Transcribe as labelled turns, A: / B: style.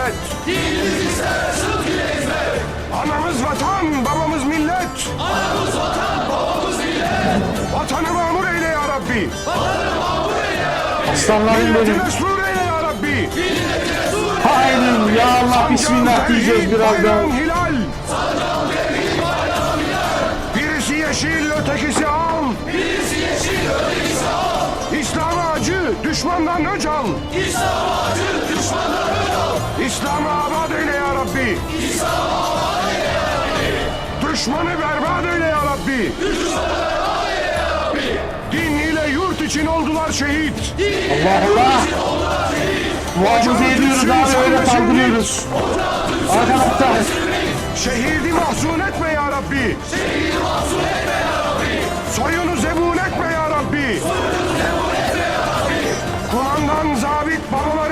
A: hizmet.
B: Dinimiz ister sıdk ile hizmet.
A: Anamız vatan, babamız millet.
B: Anamız vatan, babamız millet.
A: Vatanı mamur eyle ya Rabbi.
B: Vatanı mamur eyle ya Rabbi.
C: Aslanlarım
A: Milleti
C: benim.
A: mesrur eyle ya Rabbi.
B: Milletine sur.
C: Aynen ya Allah, bismillah diyeceğiz birazdan.
A: Hilal.
B: Sancağım tevhid bayram hilal.
A: Birisi yeşil, ötekisi al.
B: Birisi yeşil, ötekisi al.
A: İslam'a acı, düşmandan öc al.
B: İslam acı, düşmandan ön al.
A: İslam'ı abad eyle ya Rabbi.
B: İslam aman eyle ya Rabbi.
A: Düşmanı berbat eyle ya Rabbi.
B: Düşmanı berbat eyle ya Rabbi.
A: Din ile yurt için oldular şehit.
C: Allah Allah. Muhafaza ediyoruz abi, öyle saldırıyoruz. Arkadaşlar.
A: Şehidi mahzun etme ya Rabbi.
B: Şehidi mahzun etme ya Rabbi.
A: Soyunu